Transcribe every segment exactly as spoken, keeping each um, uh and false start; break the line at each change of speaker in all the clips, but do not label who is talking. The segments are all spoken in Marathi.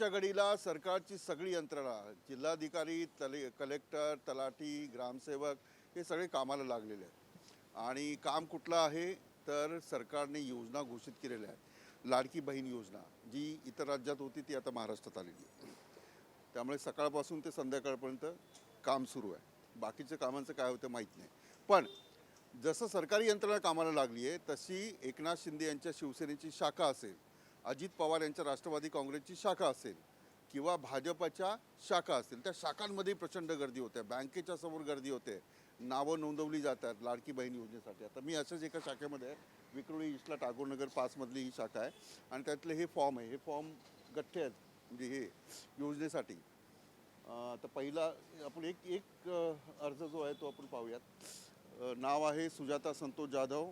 आजच्या घडीला सरकारची सगळी यंत्रणा, जिल्हाधिकारी, तले कलेक्टर, तलाठी, ग्रामसेवक हे सगळे कामाला लागलेले आहेत. आणि काम कुठलं आहे तर सरकारने योजना घोषित केलेल्या आहेत. लाडकी बहीण योजना जी इतर राज्यात होती ती आता महाराष्ट्रात आलेली आहे. त्यामुळे सकाळपासून ते संध्याकाळपर्यंत काम सुरू आहे. बाकीच्या कामांचं काय होतं माहीत नाही. पण जसं सरकारी यंत्रणा कामाला लागली आहे तशी एकनाथ शिंदे यांच्या शिवसेनेची शाखा असेल, अजित पवार यांच्या राष्ट्रवादी काँग्रेसची शाखा असेल किंवा भाजपच्या शाखा असतील, त्या शाखांमध्ये प्रचंड गर्दी होते. बँकेच्या समोर गर्दी होते. नावं नोंदवली जातात लाडकी बहीण योजनेसाठी. आता मी अशाच एका शाखेमध्ये आहे, विक्रोळी ईस्टला टागोरनगर पाचमधली ही शाखा आहे. आणि त्यातले हे फॉर्म आहे, हे फॉर्म गठ्ठे आहेत म्हणजे हे योजनेसाठी. तर पहिला आपण एक एक अर्ज जो आहे तो आपण पाहूयात. नाव आहे सुजाता संतोष जाधव.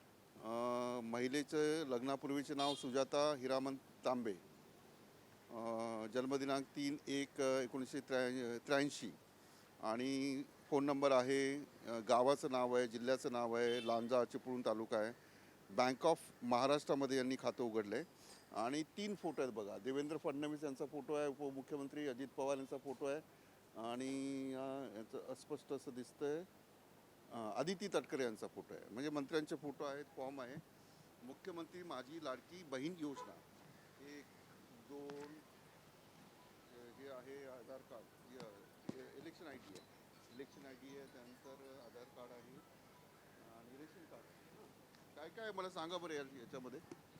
महिलेचं लग्नापूर्वीचे नाव सुजाता हिरामन तांबे. जन्मदिनांक तीन एक एकोणीसशे त्र्या त्र्याऐंशी आणि फोन नंबर आहे. गावाचं नाव आहे, जिल्ह्याचं नाव आहे लांजा, चिपळूण तालुका आहे. बँक ऑफ महाराष्ट्रामध्ये यांनी खातं उघडलं आहे. आणि तीन फोटो आहेत बघा. देवेंद्र फडणवीस यांचा फोटो आहे, उपमुख्यमंत्री अजित पवार यांचा फोटो आहे आणि याचं अस्पष्ट असं दिसतंय आदिती तटकरे यांचा फोटो आहे. म्हणजे मंत्र्यांचे फोटो आहेत. फॉर्म आहे मुख्यमंत्री माझी लाडकी बहीण योजना. एक दोन हे आहे Aadhaar card, election I D आहे, इलेक्शन आय डी आहे, त्यानंतर आधार कार्ड आहे आणि रेशन कार्ड. काय काय मला सांगा बरं या याच्यामध्ये.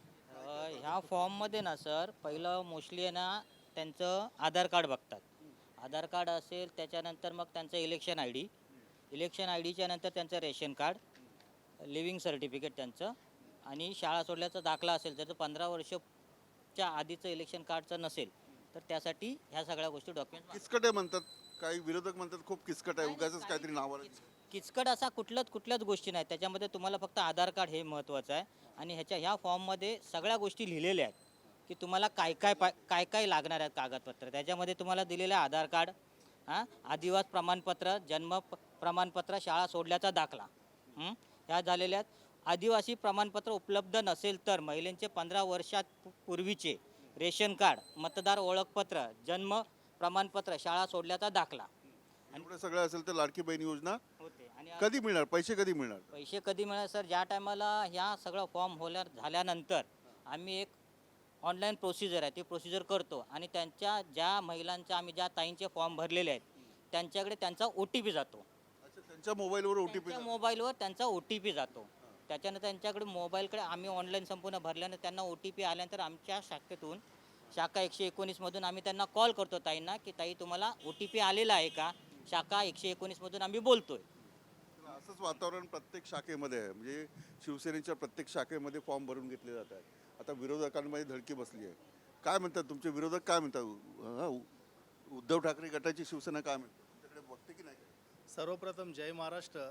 ह्या फॉर्ममध्ये ना सर, पहिलं मोस्टली आहे ना त्यांचं आधार कार्ड बघतात. आधार कार्ड असेल त्याच्यानंतर मग त्यांचं election I D, election I डीच्या नंतर त्यांचं रेशन कार्ड, लिव्हिंग सर्टिफिकेट त्यांचं आणि शाळा सोडल्याचा दाखला असेल. त्याचं पंधरा वर्षच्या आधीचं इलेक्शन कार्डचं नसेल तर त्यासाठी ह्या सगळ्या गोष्टी डॉक्युमेंट.
किचकट आहे म्हणतात काही विरोधक, म्हणतात खूप किचकट आहे, उगाचच काहीतरी नावाला.
किचकट असा कुठल्याच कुठल्याच गोष्टी नाही. त्याच्यामध्ये तुम्हाला फक्त आधार कार्ड हे महत्त्वाचं आहे. आणि ह्याच्या ह्या फॉर्ममध्ये सगळ्या गोष्टी लिहिलेल्या आहेत की तुम्हाला काय काय पा काय काय लागणार आहेत कागदपत्र. त्याच्यामध्ये तुम्हाला दिलेलं आहे आधार कार्ड, हां, आदिवास प्रमाणपत्र, जन्म प्रमाणपत्र, शाळा सोडल्याचा दाखला, ह्या झालेल्या आहेत. आदिवासी प्रमाणपत्र उपलब्ध नसेल तर महिलांचे पंधरा वर्षात पूर्वीचे रेशन कार्ड, मतदार ओळखपत्र, जन्म प्रमाणपत्र, शाळा सोडल्याचा दाखला
एवढं सगळं असेल तर लाडकी बहीण योजना
होते. आणि
कधी मिळणार, पैसे कधी मिळणार?
पैसे कधी मिळणार सर, ज्या टायमाला ह्या सगळं फॉर्म होल्या झाल्यानंतर आम्ही एक ऑनलाईन प्रोसिजर आहे ती प्रोसिजर करतो आणि त्यांच्या ज्या महिलांच्या आम्ही ज्या ताईंचे फॉर्म भरलेले आहेत त्यांच्याकडे त्यांचा ओ टी पी जातो.
अच्छा, त्यांच्या मोबाईलवर ओ टी पी,
त्यांच्या मोबाईलवर त्यांचा ओ टी पी जातो. त्याच्यानंतर त्यांच्याकडे मोबाईलकडे आम्ही ऑनलाईन संपूर्ण भरल्यानंतर त्यांना ओ टी पी आल्यानंतर आमच्या शाखेतून, शाखा एकशे एकोणीसमधून आम्ही त्यांना कॉल करतो ताईंना की ताई तुम्हाला ओ टी पी आलेला आहे का. शाखा एकशे एकोणीसमधून आम्ही बोलतोय.
असंच वातावरण प्रत्येक शाखेमध्ये आहे. म्हणजे शिवसेनेच्या प्रत्येक शाखेमध्ये फॉर्म भरून घेतले जात आहेत. आता विरोधकांमध्ये धडकी बसली आहे. काय म्हणतात तुमचे विरोधक, काय म्हणतात? उद्धव ठाकरे गटाची शिवसेना काय म्हणतात? तुमच्याकडे बघते की नाही?
सर्वप्रथम जय महाराष्ट्र.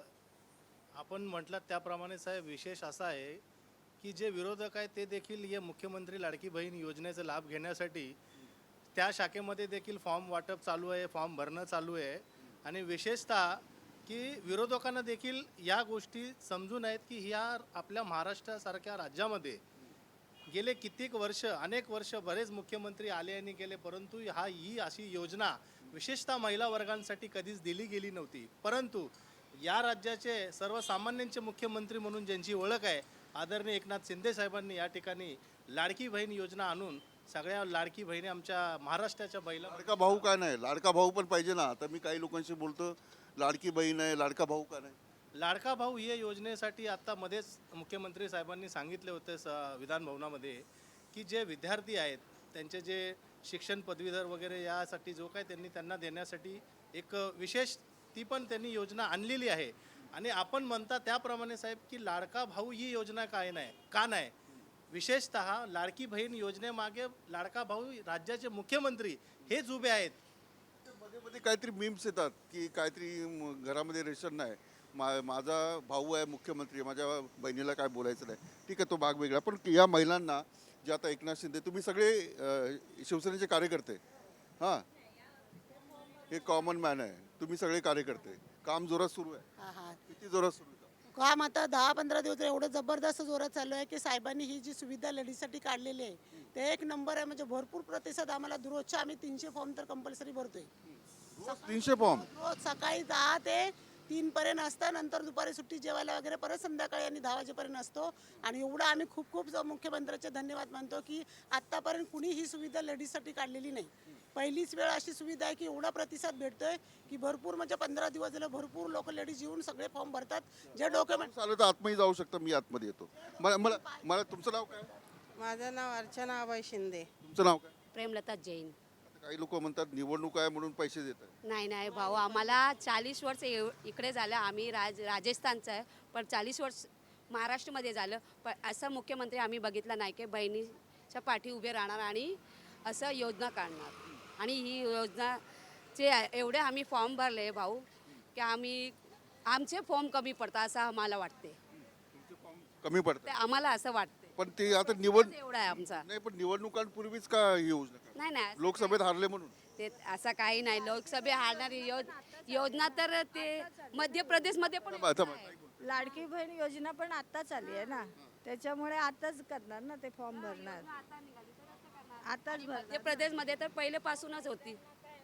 आपण म्हटलं त्याप्रमाणे साहेब, विशेष असा आहे की जे विरोधक आहेत ते देखील हे मुख्यमंत्री लाडकी बहीण योजनेचा लाभ घेण्यासाठी त्या शाखेमध्ये देखील फॉर्म वाटप चालू आहे, फॉर्म भरणं चालू आहे. आणि विशेषतः की विरोधकांना देखील या गोष्टी समजून आहेत की ह्या आपल्या महाराष्ट्रासारख्या राज्यामध्ये गेले कित्येक वर्ष, अनेक वर्ष बरेच मुख्यमंत्री आले आणि गेले, परंतु हा ही अशी योजना विशेषतः महिला वर्गांसाठी कधीच दिली गेली नव्हती. परंतु या राज्याचे सर्वसामान्यांचे मुख्यमंत्री म्हणून ज्यांची ओळख आहे आदरणीय एकनाथ शिंदे साहेबांनी या ठिकाणी लाडकी बहीण योजना आणून सगळ्या लाडकी बहिणी आमच्या महाराष्ट्राच्या बैला.
लाडका भाऊ काय नाही, लाडका भाऊ पण पाहिजे ना. आता मी काही लोकांशी बोलतो, लाडकी बहीण आहे, लाडका भाऊ का नाही?
लाडका भाऊ या योजनेसाठी आत्ता मध्येच मुख्यमंत्री साहेबांनी सांगितले होते स विधान भवनामध्ये की जे विद्यार्थी आहेत त्यांचे जे शिक्षण पदवीधर वगैरे यासाठी जो काय त्यांनी त्यांना देण्यासाठी एक विशेष ती पण त्यांनी योजना आणलेली आहे. आणि आपण म्हणता त्याप्रमाणे साहेब की लाडका भाऊ ही योजना काय नाही, का नाही. विशेषतः लाडकी बहीण योजनेमागे लाडका भाऊ राज्याचे मुख्यमंत्री हेच उभे आहेत.
मध्ये मध्ये काहीतरी मीम्स येतात की काहीतरी घरामध्ये रेशन नाही, मा माझा भाऊ आहे मुख्यमंत्री, माझ्या बहिणीला काय बोलायचं नाही. ठीक आहे, तो भाग वेगळा. पण या महिलांना जे आता एकनाथ शिंदे, तुम्ही सगळे शिवसेनेचे कार्यकर्ते, हां, हे कॉमन मॅन आहे, तुम्ही सगळे कार्यकर्ते, काम जोरात सुरू आहे. किती जोरात सुरू आहे?
काम आता दहा पंधरा दिवस एवढं जबरदस्त जोरात चालू आहे की साहेबांनी ही जी सुविधा लेडीजसाठी काढलेली आहे ते एक नंबर आहे. म्हणजे भरपूर प्रतिसाद आम्हाला दररोजच्या आम्ही तीनशे फॉर्म तर कंपल्सरी भरतोय.
रोज तीनशे फॉर्म.
रोज सकाळी दहा ते तीन पर्यंत असतं, नंतर दुपारी सुट्टी जेवायला वगैरे परत संध्याकाळी आणि दहा वाजेपर्यंत असतो. आणि एवढं आम्ही खूप खूप ज- मुख्यमंत्र्याचे धन्यवाद मानतो की आत्तापर्यंत कुणी ही सुविधा लेडीजसाठी काढलेली नाही. पहिलीच वेळ अशी सुविधा आहे की एवढा प्रतिसाद भेटतोय की भरपूर म्हणजे पंधरा दिवस झालं भरपूर लोक लेडीज येऊन सगळे फॉर्म भरतात. जे डॉक्युमेंट
चालू तर आतमध्ये जाऊ शकता, मी आतमध्ये येतो. मला मला मला तुमचं नाव काय?
माझं नाव अर्चना अभय शिंदे.
तुमचं नाव काय?
प्रेमलता जैन.
आता काही लोक म्हणतात निवडणूक आहे म्हणून पैसे देतात.
नाही नाही भाऊ, आम्हाला चाळीस वर्ष एव- इकडे झालं. आम्ही राज राजस्थानचं आहे, पण चाळीस वर्ष महाराष्ट्रामध्ये झालं. पण असं मुख्यमंत्री आम्ही बघितलं नाही की बहिणीच्या पाठी उभे राहणार आणि असं योजना काढणार. आणि ही योजनाचे एवढे आम्ही फॉर्म भरले भाऊ की आम्ही आमचे फॉर्म कमी पडतात असं आम्हाला वाटते.
कमी
ते
पडतात.
आम्हाला असं वाटते.
पण ते आता निवड
एवढा आहे आमचा.
नाही, पण निवडणुकांपूर्वीच का ही योजना काढली?
नाही नाही
लोकसभेत हारले म्हणून.
ते असं काही नाही. लोकसभे हारणारी योज योजना तर ते मध्य प्रदेशमध्ये पण
थांबा, थांबा.
लाडकी बहीण योजना पण आत्ताच आली आहे ना, त्याच्यामुळे आताच करणार ना, ते फॉर्म भरणार आताच भरणार.
मध्य प्रदेशमध्ये तर पहिलेपासूनच होती.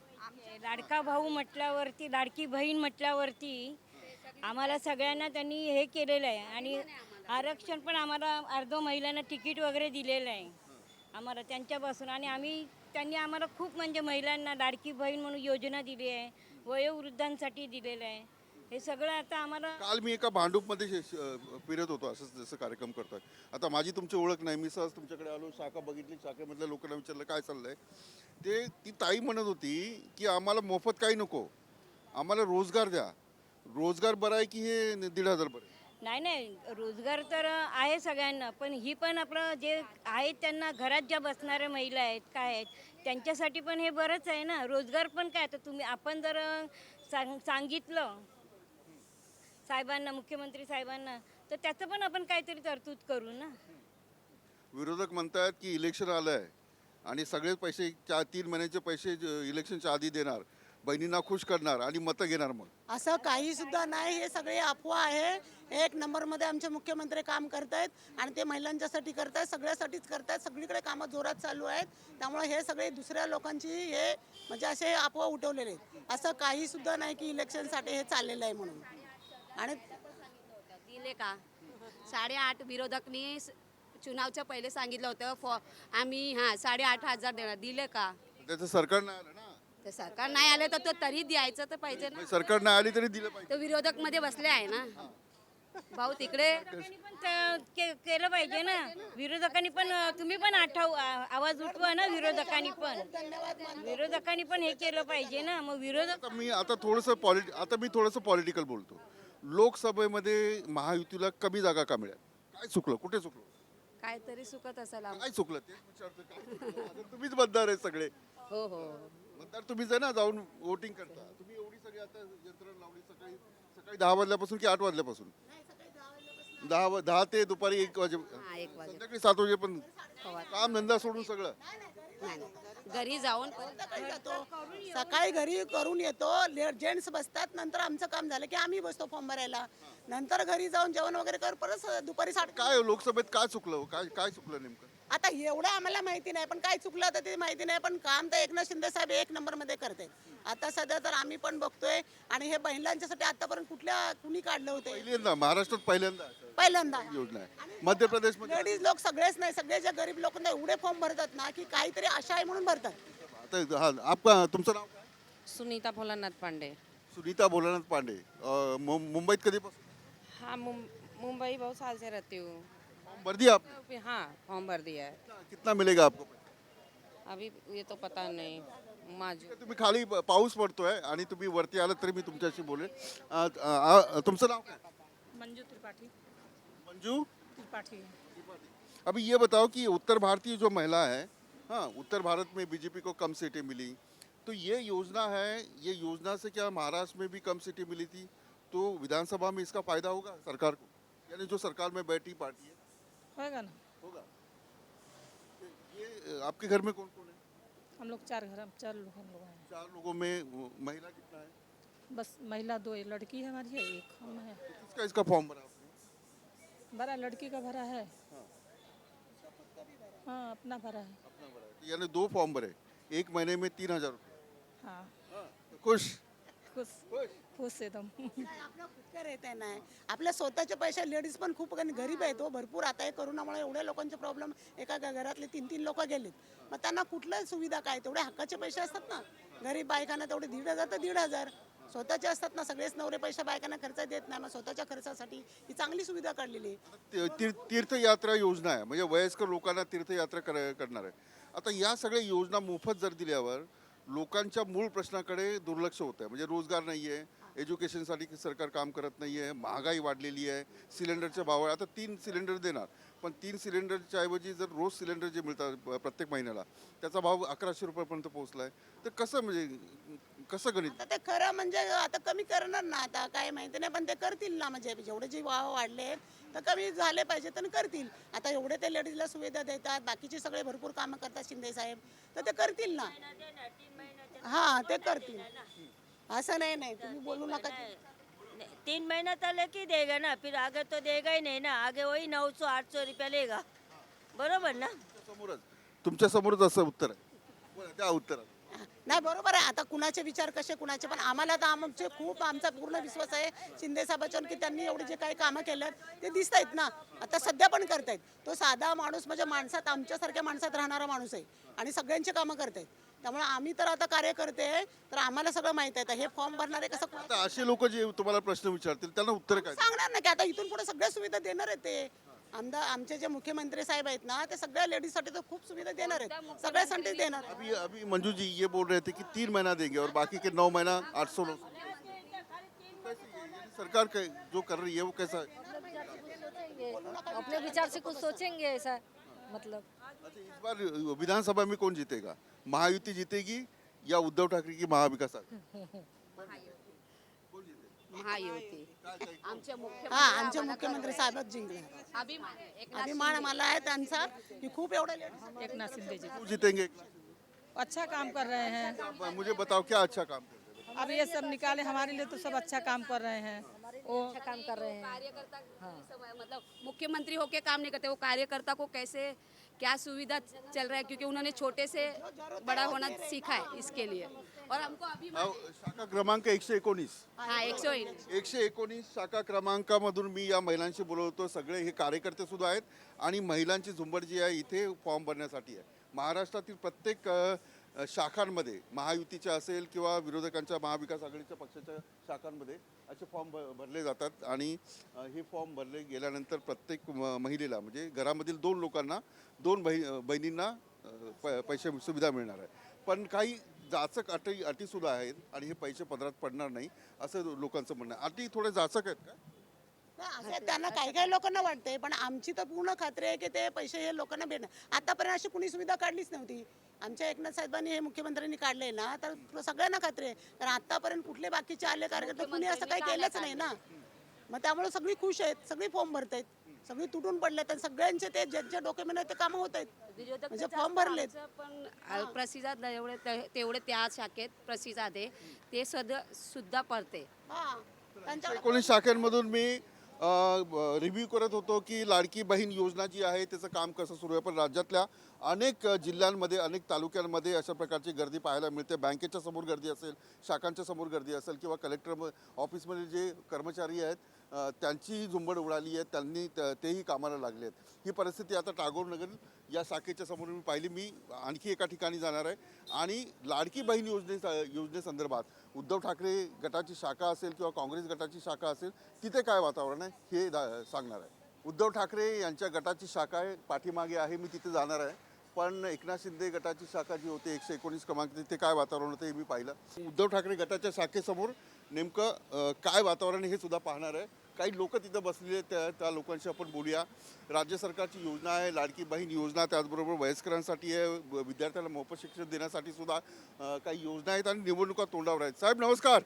लाडका भाऊ म्हटल्यावरती लाडकी बहीण म्हटल्यावरती आम्हाला सगळ्यांना त्यांनी हे केलेलं आहे. आणि आरक्षण पण आम्हाला अर्ध महिलांना तिकीट वगैरे दिलेलं आहे आम्हाला त्यांच्यापासून. आणि आम्ही त्यांनी आम्हाला खूप म्हणजे महिलांना लाडकी बहीण म्हणून योजना दिली आहे, वयोवृद्धांसाठी दिलेलं आहे. हे सगळं आता आम्हाला
काल मी एका भांडूपमध्ये शे- श- फिरत होतो, असंच जसं कार्यक्रम करतोय. आता माझी तुमची ओळख नाही, मी सहज तुमच्याकडे आलो, शाखा बघितली, शाखेमधल्या लोकांना विचारलं काय चाललंय. ते ती ताई म्हणत होती की आम्हाला मोफत काही नको, आम्हाला रोजगार द्या. रोजगार बरा आहे की हे दीड हजार बरं आहे?
नाही नाही रोजगार तर आहे सगळ्यांना, पण ही पण आपलं जे आहेत त्यांना घरात ज्या बसणाऱ्या महिला आहेत काय आहेत त्यांच्यासाठी पण हे बरंच आहे ना. रोजगार पण काय, तर तुम्ही आपण जर सांग सांगितलं साहेबांना, मुख्यमंत्री साहेबांना, तर त्याचं पण आपण काहीतरी तरतूद करू ना.
विरोधक म्हणतात की इलेक्शन आलं आहे आणि सगळे पैसे चार तीन महिन्याचे पैसे ज- इलेक्शनच्या आधी देणार, बहिणींना खुश करणार आणि मतं घेणार. मग
असं काही सुद्धा नाही. हे सगळे अफवा आहे. एक नंबरमध्ये आमचे मुख्यमंत्री काम करतायत आणि ते महिलांच्यासाठी करतायत, सगळ्यासाठीच करतायत. सगळीकडे कामं जोरात चालू आहेत. त्यामुळे हे सगळे दुसऱ्या लोकांची हे म्हणजे असे अफवा उठवलेले आहेत. असं काही सुद्धा नाही की इलेक्शनसाठी हे चाललेलं आहे म्हणून. आणि
दिले का साडेआठ विरोधकनी स- चुनावच्या पहिले सांगितलं होतं फॉ आम्ही हां साडेआठ हजार देणार. दिले का?
त्याचं सरकार नाही आलं ना.
तर सरकार नाही आलं तर तो तरी द्यायचं तर पाहिजे ना.
मग सरकार नाही आली तरी दिलं पाहिजे.
तो विरोधक मध्ये बसले आहे ना भाऊ तिकडे.
विरोधकांनी पण ते- के- केलं पाहिजे ना. विरोधकांनी पण तुम्ही पण आठाव आ- आवाज उठवा ना. विरोधकांनी पण विरोधकांनी पण हे केलं पाहिजे ना. मग विरोधक
आता मी आता थोडंसं पॉलिट आता मी थोडंसं पॉलिटिकल बोलतो. लोकसभेमध्ये महायुतीला कमी जागा का मिळाल्या? काय चुकलं, कुठे चुकलं,
काहीतरी सुकत असेल आम-
काय चुकलं ते विचारतो. काय चुकलं? आता तुम्हीच मतदार आहे सगळे.
हो हो
मतदार तुम्हीच आहे ना, जाऊन वोटिंग करता. तुम्ही एवढी सगळी आता यंत्रणा लावली सकाळी सकाळी दहा वाजल्यापासून की आठ वाजल्यापासून? दहा वा- दहा ते दुपारी एक वाजे
हा एक वाजे
संध्याकाळी सात वाजे पण काम धंदा सोडून सगळं.
नाही नाही. घरी जाऊन
सकाळी जातो, सकाळी घरी करून येतो. जेंट्स बसतात, नंतर आमचं काम झालं की आम्ही बसतो फॉर्म भरायला. नंतर घरी जाऊन जेवण वगैरे कर परत दुपारी साठ.
काय लोकसभेत काय चुकलं हो? काय काय चुकलं नेमकं?
आता एवढं आम्हाला माहिती नाही, पण काय चुकलं तर ते माहिती नाही. पण काम तर एकनाथ शिंदे साहेब एक नंबरमध्ये करते. आता सध्या तर आम्ही पण बघतोय. आणि हे महिलांच्यासाठी आतापर्यंत कुठल्या कुणी काढले होते?
पहिल्यांदा महाराष्ट्रात पहिल्यांदा
पहिल्यांदा.
योजना आहे. मध्य प्रदेशमध्ये
लेडीज लोक सगळेच नाही, सगळे जे गरीब लोक एवढे फॉर्म भरतात ना की काहीतरी आशा आहे म्हणून भरतात.
आता हा आपका तुमचं नाव काय?
सुनीता भोलानाथ पांडे.
सुनीता भोलानाथ पांडे. अं, मु- मुंबईत कधीपासून?
हाँ मुं- मुंबई बहुत साल से रहती हूँ.
फॉर्म भर दिया आपने?
हाँ फॉर्म भर दिया है.
कितना मिलेगा आपको?
अभी ये तो पता नहीं. माजू
तुम्ही खाली ब- पाऊस पडतोय आणि तुम्ही वरती आलात तरी मी तुमच्याशी बोलेन. अं, अं, तुमचं नाव काय?
मंजू त्रिपाठी
मंजू.
त्रिपाठी
अभी ये बताओ कि उत्तर भारतीय जो महिला है, हाँ, उत्तर भारत में बीजेपी को कम सीटें मिली, तो ये योजना है, ये योजना से क्या महाराष्ट्र में भी कम सीटें मिली थी, तो विधानसभा में इसका फायदा होगा सरकार को? यानी जो सरकार में बैठी पार्टी है
होएगा ना.
होगा. ये अ, आपके घर में कौन कौन है?
हम लोग चार घर हम चार लोग हम लोग हैं.
चार लोगों में अ, महिला कितना है?
बस महिला दो है, लड़की है हमारी है, एक हम है.
किसका इसका फॉर्म भरा आपने?
भरा लड़की का भरा है हाँ अपना भरा है
अपना भरा है। यानी दो फॉर्म भरे, एक महीने में तीन हजार रुपये।
हाँ
खुश
खुश खुश एकदम
काय आपलं खुदचं रहता नाही आपल्या स्वतःचे पैसे लेडीज पण खूप आणि गरीब आहेत हो भरपूर. आता हे करोनामुळे एवढ्या लोकांचे प्रॉब्लेम, एका घ- घरातले तीन तीन लोक गेलेत, मग त्यांना कुठल्या सुविधा काय, तेवढे हक्काचे पैसे असतात ना गरीब बायकांना, तेवढे दीड हजार तर दीड हजार स्वतःचे असतात ना. सगळेच नवरे पैसे बायकांना खर्च देत नाही, मग स्वतःच्या खर्चासाठी ही चांगली सुविधा काढलेली आहे.
ती- तीर- तीर्थयात्रा योजना आहे, म्हणजे वयस्कर लोकांना तीर्थयात्रा कर करणार आहे. आता या सगळ्या योजना मोफत जर दिल्यावर लोकांच्या मूळ प्रश्नाकडे दुर्लक्ष होत आहे. म्हणजे रोजगार नाही आहे, एज्युकेशनसाठी सरकार काम करत नाही आहे, महागाई वाढलेली आहे, सिलेंडरचे भाव आहे. आता तीन सिलेंडर देणार, पण तीन सिलेंडरच्या ऐवजी जर रोज सिलेंडर जे मिळतात प- प्रत्येक महिन्याला, त्याचा भाव अकराशे रुपयापर्यंत पोहोचला आहे. तर कसं म्हणजे कसं गणित?
आता ते खरं म्हणजे आता कमी करणार ना, आता काय माहिती नाही, पण ते करतील ना. म्हणजे जेवढे जे भाव वाढले तर कमी झाले पाहिजे तर करतील. आता एवढे ते लेडीजला सुविधा देतात, बाकीचे सगळे भरपूर कामं करतात शिंदे साहेब, तर ते करतील ना. हा ते करतील, असं नाही नाही तुम्ही बोलू नका.
तीन महीना तक ही देगा ना, फिर आगे तो देगा ही नहीं ना. आगे वही नौ सौ आठ सौ रुपया लेगा, बरोबर ना.
समोरच तुमच्या समोरच असं उत्तर आहे. बोला, त्या उत्तरात
नाही बरोबर आहे. आता कुणाचे विचार कसे कुणाचे, पण आम्हाला तर आमचे खूप आमचा पूर्ण विश्वास आहे शिंदे साहेबांच्यावर की त्यांनी एवढे जे काही कामं केलं ते दिसत आहेत ना, आता सध्या पण करतायत. तो साधा माणूस म्हणजे माणसात आमच्यासारख्या माणसात राहणारा माणूस आहे आणि सगळ्यांची कामं करतायत. त्यामुळे आम्ही तर आता कार्य करते, तर आम्हाला सगळं माहित आहे. तर हे फॉर्म भरणारे कसं कोण-
आता असे लोक जे तुम्हाला प्रश्न विचारतील त्यांना उत्तर काय?
सांगणार ना की आता इथून पुढे सगळ्या सुविधा देणार आहेत ते. आमदार आमचे जे मुख्यमंत्री साहेब आहेत ना, ते सगळ्या लेडीजसाठी तर खूप सुविधा देणार आहेत, सगळ्यासाठी देणार आहेत.
अभी अभी मंजू जी ये बोल रहे थे कि तीन महीना देंगे और बाकी के नौ महीना आठ सौ सरकार का जो कर रही है वो कैसा है?
अपने विचार से कुछ सोचेंगे ऐसा मतलब
अच्छा, इस बार विधानसभा में कौन जीतेगा? महायुति जीतेगी या उद्धव ठाकरे की महाविकास आघाडी?
महायुती आमचे मुख्य
हा आमचे मुख्यमंत्री साहेबच जिंकले.
अभिमान आहे. एकनाथ
अभिमान मला आहे त्यांचा की खूप एवढ्या लेडीज
एक नाथ शिंदे जी
वो जीतेंगे?
अच्छा काम कर रहे हैं.
मुझे बताओ क्या अच्छा काम कर रहे हैं?
अब ये सब निकाले हमारे लिए तो सब अच्छा काम कर रहे हैं. वो
अच्छा काम कर रहे हैं.
कार्यकर्ता सब मतलब मुख्यमंत्री होके काम नहीं करते, वो कार्यकर्ता को कैसे क्या सुविधा चल रहा है, क्योंकि उन्होंने छोटे से बड़ा होना सीखा है इसके लिए. और हमको अभी
अहो, शाखा क्रमांक एकशे एकोणीस
हाँ एक सौ
एकशे एकोणीस शाखा क्रमांकामधून मी या महिलांशी बोलवतो. सगळे हे कार्यकर्ते सुद्धा आहेत आणि महिलांची झुंबड जी आहे इथे फॉर्म भरण्यासाठी आहे. महाराष्ट्रातील प्रत्येक अ, अ, शाखांमध्ये महायुतीच्या असेल किंवा विरोधकांच्या महाविकास आघाडीच्या पक्षाच्या शाखांमध्ये असे फॉर्म भ भरले जातात आणि अ, हे फॉर्म भरले गेल्यानंतर प्रत्येक म- महिलेला म्हणजे घरामधील दोन लोकांना दोन बहि बहिणींना अ, प पैसे सुविधा मिळणार आहे. पण काही जाचक अटी अटीसुद्धा आहेत आणि हे पैसे पदरात पडणार नाही असं लोकांचं म्हणणं आहे. अटी थोडे जाचक आहेत का?
नाही, असं त्यांना काही काही लोकांना वाटते, पण आमची तर पूर्ण खात्री आहे की ते पैसे हे लोकांना भेटणार. आतापर्यंत अशी कुणी सुविधा काढलीच नव्हती. आमच्या एकनाथ साहेबांनी हे मुख्यमंत्र्यांनी काढले ना, तर सगळ्यांना खात्री आहे. कारण आतापर्यंत कुठले बाकीचे आले कार्यकर्ते कुणी असं काही केलंच नाही ना. मग त्यामुळे सगळी खुश आहेत, सगळी फॉर्म भरतायत, सगळी तुटून पडलेत आणि सगळ्यांचे ते ज्यांच्या डॉक्युमेंट आहेत ते कामं होत आहेत. म्हणजे फॉर्म भरलेत.
पण अ, प्रतिसाद एवढे ते- तेवढे त्या शाखेत प्रतिसाद आहे ते सद सुद्धा पडते.
हा त्यांच्या
एकोणीस शाखांमधून मी रिव्ह्यू करत होतो की लाडकी बहीण योजना जी आहे त्याचं काम कसं सुरू आहे. पण राज्यातल्या अनेक अ, जिल्ह्यांमध्ये अनेक तालुक्यांमध्ये अशा प्रकारची गर्दी पाहायला मिळते. बँकेच्या समोर गर्दी असेल, शाखांच्या समोर गर्दी असेल किंवा कलेक्टर ऑफिसमध्ये जे कर्मचारी आहेत अ, त्यांची झुंबड उडाली आहे, त्यांनी त- तेही कामाला लागले आहेत. ही परिस्थिती आता टागोर नगर या शाखेच्या समोर मी पाहिली. मी आणखी एका ठिकाणी जाणार आहे आणि लाडकी बहीण योजने योजनेसंदर्भात उद्धव ठाकरे गटाची शाखा असेल किंवा काँग्रेस गटाची शाखा असेल तिथे काय वातावरण आहे हे दा- सांगणार आहे. उद्धव ठाकरे यांच्या गटाची शाखा आहे, पाठीमागे आहे, मी तिथे जाणार आहे. पण एकनाथ शिंदे गटाची शाखा जी होती एकशे एकोणीस क्रमांक तिथे काय वातावरण होतं हे मी पाहिलं. उद्धव ठाकरे गटाच्या शाखेसमोर नेमकं अ, काय वातावरण आहे हे सुद्धा पाहणार आहे. काही लोक तिथं बसलेले आहेत, त्या त्या लोकांशी आपण बोलूया. राज्य सरकारची योजना आहे लाडकी बहीण योजना, त्याचबरोबर वयस्करांसाठी आहे, व- विद्यार्थ्यांना मोफत शिक्षण देण्यासाठी सुद्धा अ, काही योजना आहेत आणि निवडणुका तोंडावर आहेत. साहेब नमस्कार.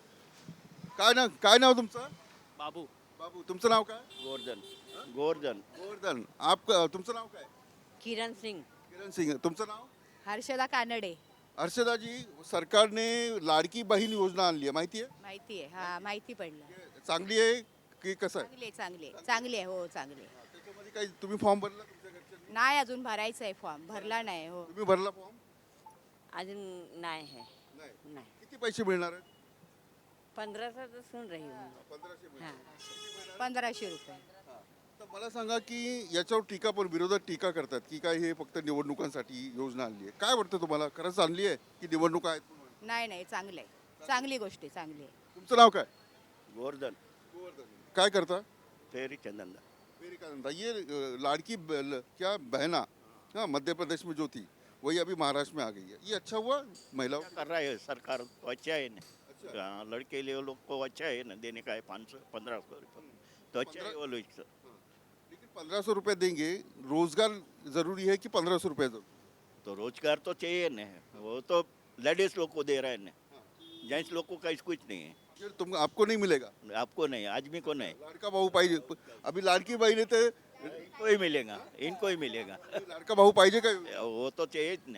काय नाव काय नाव तुमचं?
बाबू
बाबू. तुमचं नाव काय?
गोवर्धन गोवर्धन
गोवर्धन. आप तुमचं नाव काय?
किरण सिंग.
किरण सिंग. तुमचं नाव?
हर्षदा कानडे.
हर्षदाजी, सरकारने लाडकी बहीण योजना आणली आहे, माहिती आहे?
माहिती आहे, हा माहिती पडलं.
चांगली आहे. की कसं आहे
चांगले चांगले चांगले आहे, हो चांगले.
त्याच्यामध्ये काही तुम्ही फॉर्म भरला तुमच्या घरच्यांनी?
नाही अजून भरायचं आहे फॉर्म, भरला नाही. हो
तुम्ही भरला फॉर्म?
अजून नाही है
नाही.
नाही
किती पैसे मिळणार आहेत?
पंधरा सौ तो सुन रही हूँ
पंधराशे मिळणार.
पंधराशे रुपये.
तर मला सांगा की याच्यावर टीका पण विरोधक टीका करतात की काय हे फक्त निवडणुकांसाठी योजना आणली आहे. काय वाटतं तुम्हाला, खरंच आणली आहे की निवडणुका आहेत म्हणून?
नाही नाही चांगलं आहे, चांगली गोष्ट आहे, चांगली आहे.
तुमचं नाव काय?
गोवर्धन
काय करता?
फेरी चंदन
मेरी का धंधा ये अ, लाड़की ब- ल- क्या बहना हाँ मध्य प्रदेश में जो थी वही अभी महाराष्ट्र में आ गई है, ये अच्छा हुआ महिलाओं को?
कर रहा है सरकार तो अच्छा है ना हाँ, लड़के लिए लोग को अच्छा है ना देने का है पाँच सौ पंद्रह सौ रुपये तो अच्छा है वो लोग से।
लेकिन पंद्रह सौ रुपये देंगे, रोजगार जरूरी है कि पंद्रह सौ रुपये जरूरी?
तो रोजगार तो चाहिए ना, वो तो लेडीज लोग को दे रहा है ना, जेंट्स लोग को कहीं कुछ नहीं है,
फिर तुम आपको नहीं मिलेगा?
आपको नहीं आदमी को नहीं,
लाड़का भाऊ पाहिजे. अभी लाडकी बहीण आहे तर
इनको ही मिलेगा इनको ही मिलेगा
लाडका भाऊ पाहिजे का?
वो तो चाहिए ना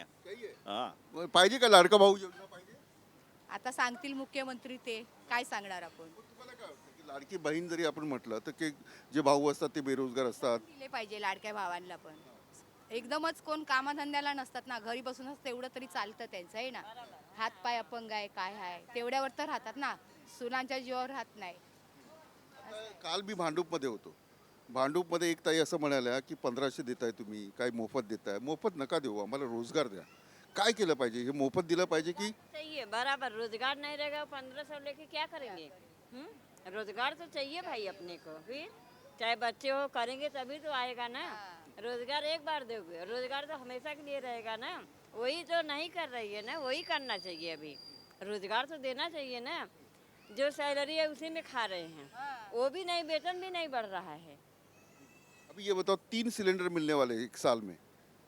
हाँ
पाहिजे का लाडका भाऊ योजना पाहिजे?
आता सांगतील मुख्यमंत्री, ते काय सांगणार आपण.
तुम्हाला काय वाटतं की लाडकी बहीण जरी आपण म्हटलं तर की जे भाऊ असतात ते बेरोजगार असतात,
दिले पाहिजे लाडक्या भावांना पण. एकदमच कोण कामाधंद्याला नसतात ना, घरी बसूनच तेवढं तरी चालतं त्यांचं आहे ना. हात पाय अपंग आहे काय आहे तेवढ्यावर तर राहतात ना, सुनांच्या जीवावर राहत नाही.
आता काल मी भांडूपमध्ये होतो. भांडूपमध्ये एक ताई असं म्हणाल्या की पंधराशे देताय तुम्ही, काय मोफत देताय? मोफत नका देऊ, आम्हाला रोजगार द्या. काय केलं पाहिजे? हे मोफत दिलं पाहिजे की
चाहिए बराबर, रोजगार नहीं रहेगा पंद्रह सौ लेके क्या करेंगे? हम्म? रोजगार तो चाहिए भाई अपने को, फिर चाहे बच्चे हो करेंगे तभी तो आएगा ना. रोजगार एक बार दोगे, रोजगार तो हमेशा के लिए रहेगा ना. वही तो नहीं कर रही है ना, वही करना चाहिए. अभी रोजगार तो देना चाहिए ना. जो सैलरी है उसी में खा रहे हैं, वो भी नहीं, वेतन भी नहीं बढ़ रहा है.
अभी ये बताओ, तीन सिलेंडर मिलने वाले एक साल में.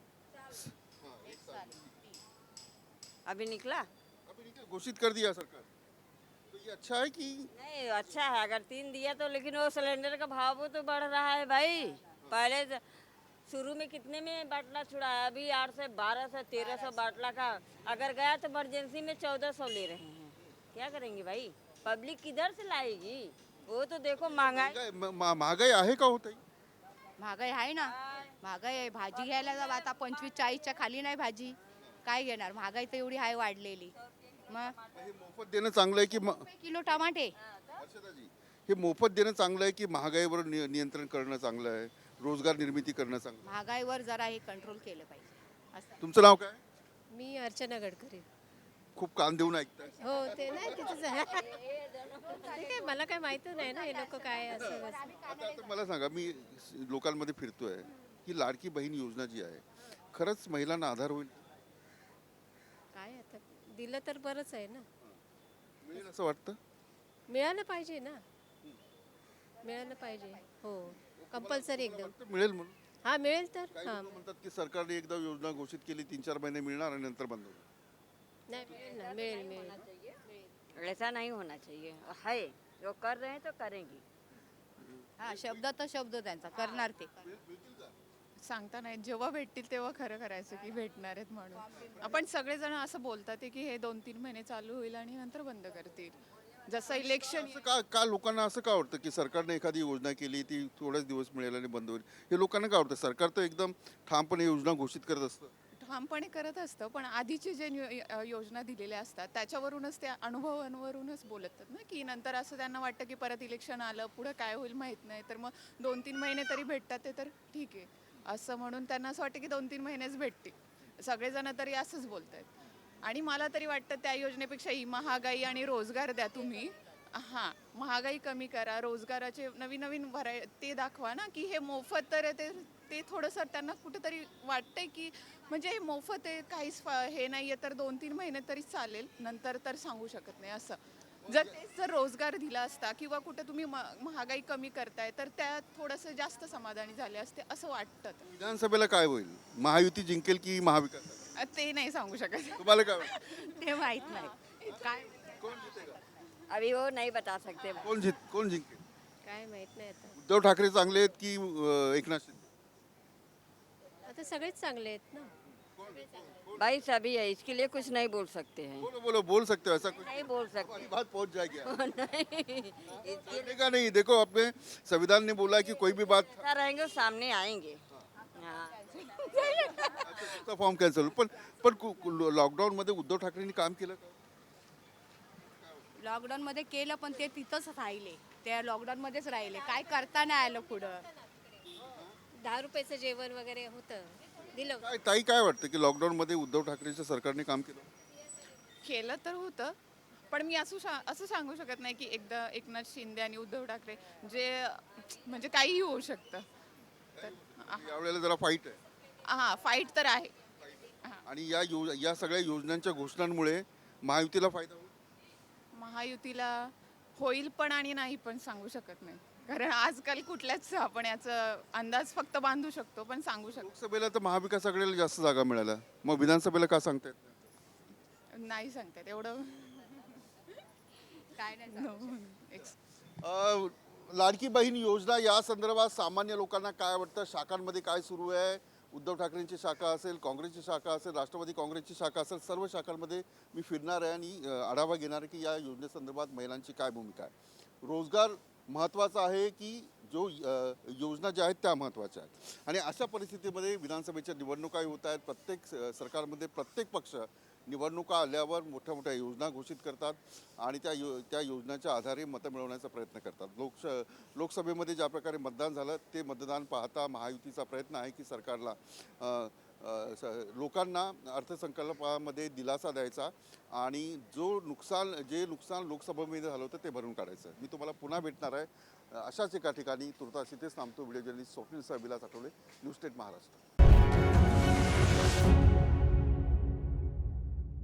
अभी निकला
अभी नहीं क्या घोषित कर दिया सरकार, तो ये अच्छा है कि
नहीं. अच्छा है अगर तीन दिया तो, लेकिन वो सिलेंडर का भाव वो तो बढ़ रहा है भाई. पहले ज- शुरू में कितने में बाटला छुड़ाया, अभी आठ से बारह से तेरह सौ बाटला का अगर गया तो इमरजेंसी में चौदह सौ ले रहे हैं. क्या करेंगे भाई, पब्लिक किधर से लाएगी? वो तो देखो महंगाई.
महंगाई म- म- महागाई आहे का होत?
महागाई आहे ना, महागाई आहे. भाजी घ्यायला जावं आता पंचवीस चाळीसच्या खाली नाही भाजी, काय घेणार? महागाई तर एवढी आहे वाढलेली. मग
हे मोफत देणं चांगलं आहे की म-
किलो टमाटे.
हर्षदाजी, हे मोफत देणं चांगलं आहे की महागाईवर नि- नियंत्रण करणं चांगलं आहे, रोजगार निर्मिती करणं चांगलं आहे?
महागाईवर जरा हे कंट्रोल केलं पाहिजे असं.
तुमचं नाव काय?
मी अर्चना गडकरी.
खूप कान देऊन ऐकताय.
हो ते नाही तिथंच आहे. ते काय मला काय माहिती नाही ना हे लोक काय असं असं.
आता आता मला सांगा, मी लोकांमध्ये फिरतोय की लाडकी बहीण योजना जी आहे खरंच महिलांना आधार होईल,
काय आता दिलं तर बरंच आहे ना.
मिळेल असं वाटतं?
मिळालं पाहिजे ना, मिळालं पाहिजे. हो कंपल्सरी एकदम.
वाटतं मिळेल म्हणून.
हा मिळेल तर.
काही
हा
लोकं म्हणतात की सरकारने एकदा योजना घोषित केली, तीन चार महिने मिळणार आणि नंतर बंद होणार.
नाही मिळेल ना, मिळेल मिळेल.
ऐसा नहीं होना चाहिए. है जो कर रहे हैं तो करेंगी.
हा शब्द तर शब्द त्यांचा करणार ते.
सांगता नाही, जेव्हा भेटतील तेव्हा खरं करायचं की भेटणार आहेत म्हणून. आपण सगळेजण असं बोलतात आहे की हे दोन तीन महिने चालू होईल आणि नंतर बंद करतील. जसं इलेक्शन
असं का का लोकांना असं का वाटतं की सरकारने एखादी योजना केली ती थोडेच दिवस मिळेल आणि बंद होईल? हे लोकांना काय वाटतं? सरकार तर एकदम ठामपणे योजना घोषित करत असतं.
ठामपणे करत असतं, पण आधीचे जे नियो- योजना दिलेल्या असतात त्याच्यावरूनच त्या अनुभवांवरूनच बोलतात ना, की नंतर असं त्यांना वाटतं की परत इलेक्शन आलं, पुढं काय होईल माहीत नाही, तर मग दोन तीन महिने तरी भेटतात ते तर ठीक आहे असं म्हणून त्यांना असं वाटतं की दोन तीन महिनेच भेटतील. सगळेजण तरी असंच बोलत आहेत. आणि मला तरी वाटतं त्या योजनेपेक्षा ही महागाई आणि रोजगार द्या तुम्ही. हां, महागाई कमी करा, रोजगाराचे नवीन नवीन व्हराय ते दाखवा ना, की हे मोफत तर आहे ते ते थोडंसं त्यांना कुठेतरी वाटतंय की म्हणजे हे मोफत आहे, काहीच फा- हे नाही आहे, तर दोन तीन महिने तरी चालेल, नंतर तर सांगू शकत नाही असं. जर तेच जर रोजगार दिला असता किंवा कुठे तुम्ही म- महागाई कमी करताय तर त्या थोडंसं जास्त समाधानी झाले असते असं वाटतं.
विधानसभेला काय होईल? महायुती जिंकेल की महाविकास?
अ, ते नाही सांगू शकत.
तुम्हाला काय वाटतं?
ते माहित नाही काय.
कोण जिंकेगा?
अभी वो नहीं बता सकते.
कोण जित कोण जिंकेल?
काय माहित नाही आता.
उद्धव ठाकरे चांगले आहेत की अं, एकनाथ शिंदे?
आता सगळेच चांगले आहेत ना.
कोण
भाई सभी है, इसके लिए कुछ नहीं बोल सकते हैं।
बोलो बोलो बोल सकते हो ऐसा कुछ
नहीं बोल सकते।
हमारी बात पहुंच जाएगी
नहीं, इसके
करने का नहीं देखो अपने संविधान ने बोला है कि कोई भी बात
लिए रहेंगे सामने आएंगे। हाँ।
तुमचा फॉर्म कॅन्सल पण पण लॉकडाऊन मध्ये उद्धव ठाकरेंनी काम केलं का
लॉकडाऊनमध्ये केलं पण ते तिथंच राहिले, ते लॉकडाऊनमध्येच राहिले, काय करता नाही आलं पुढं.
दहा रुपयाचं जेवण वगैरे होतं, दिलं.
काय ताई काय वाटतं की लॉकडाऊन मध्ये उद्धव ठाकरेंच्या सरकारने काम केलं
केलं तर होतं, पण मी असं शा असं सांगू शकत नाही की एकदा एकनाथ शिंदे आणि उद्धव ठाकरे जे म्हणजे काहीही होऊ शकतं. तर
यावेळेला जरा फाईट आहे
हां, फाईट तर आहे.
आणि या यो या सगळ्या योजनांच्या घोषणांमुळे महायुतीला फायदा होईल
महायुतीला होईल पण आणि नाही पण सांगू शकत नाही, कारण आजकाल कुठल्याच आपण याचा अंदाज फक्त बांधू शकतो पण सांगू शकतो
लोकसभेला तर महाविकास आघाडीला जास्त जागा मिळाल्या मग विधानसभेला का सांगतायत
नाही सांगतात एवढं.
काय नाही
No, ex-
अ, लाडकी बहीण योजना या संदर्भात सामान्य लोकांना काय वाटतं शाखांमध्ये काय सुरू आहे उद्धव ठाकरेंची शाखा असेल काँग्रेसची शाखा असेल राष्ट्रवादी काँग्रेसची शाखा असेल सर्व शाखांमध्ये मी फिरणार आहे आणि अ, आढावा घेणार आहे की या योजनेसंदर्भात महिलांची काय भूमिका आहे रोजगार महत्त्वाचा आहे की जो अ, योजना ज्या आहेत त्या महत्त्वाच्या आहेत आणि अशा परिस्थितीमध्ये विधानसभेच्या निवडणुकाही होत आहेत प्रत्येक स- सरकारमध्ये प्रत्येक पक्ष निवडणुका आल्यावर मोठ्या मोठ्या योजना घोषित करतात आणि त्या यो त्या योजनाच्या आधारे मतं मिळवण्याचा प्रयत्न करतात लोकश लोकसभेमध्ये ज्या प्रकारे मतदान झालं ते मतदान पाहता महायुतीचा प्रयत्न आहे की सरकारला अ, अ, स- लोकांना अर्थसंकल्पामध्ये दिलासा द्यायचा आणि जो नुकसान जे नुकसान लोकसभेमध्ये झालं होतं ते भरून काढायचं मी तुम्हाला पुन्हा भेटणार आहे अशाच एका ठिकाणी तुर्तास इथेच थांबतो व्हिडिओ जर्नलिस्ट स्वप्नील सह विलास आठवले न्यूज स्टेट महाराष्ट्र.